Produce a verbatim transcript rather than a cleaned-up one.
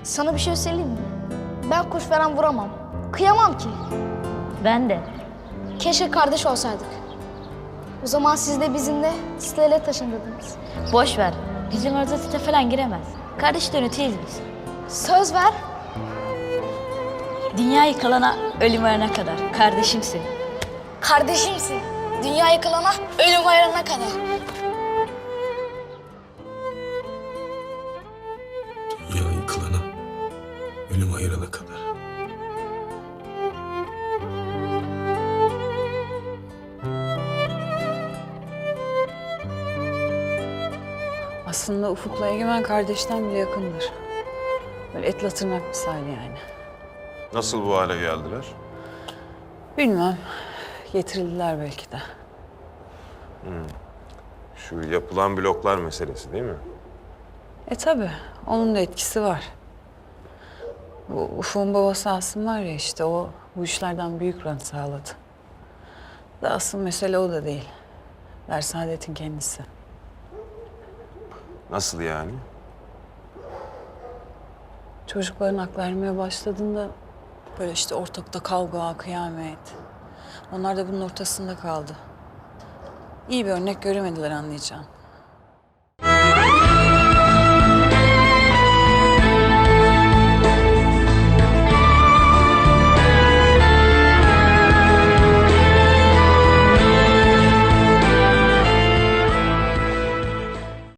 Sana bir şey söyleyeyim mi? Ben kuş falan vuramam. Kıyamam ki. Ben de. Keşke kardeş olsaydık. O zaman siz de bizimle sitele taşındırdınız. Boş ver. Bizim orada site falan giremez. Kardeş dönütüyüz biz. Söz ver. Dünya yıkılana ölüm varana kadar kardeşimsin. Kardeşimsin. Dünya yıkılana, ölüm ayırana kadar. Dünya yıkılana, ölüm ayırana kadar. Aslında Ufuk'la Egemen kardeşten bile yakındır. Böyle etle tırnak misali yani. Nasıl bu hale geldiler? Bilmem. Getirildiler belki de. Şu yapılan bloklar meselesi değil mi? E tabii. Onun da etkisi var. Bu Ufuk'un babası Asım var ya işte o bu işlerden büyük rant sağladı. Da asıl mesele o da değil. Dersaadet'in kendisi. Nasıl yani? Çocukların hak vermeye başladığında böyle işte ortalıkta kavga, kıyamet. Onlar da bunun ortasında kaldı. İyi bir örnek göremediler anlayacağım.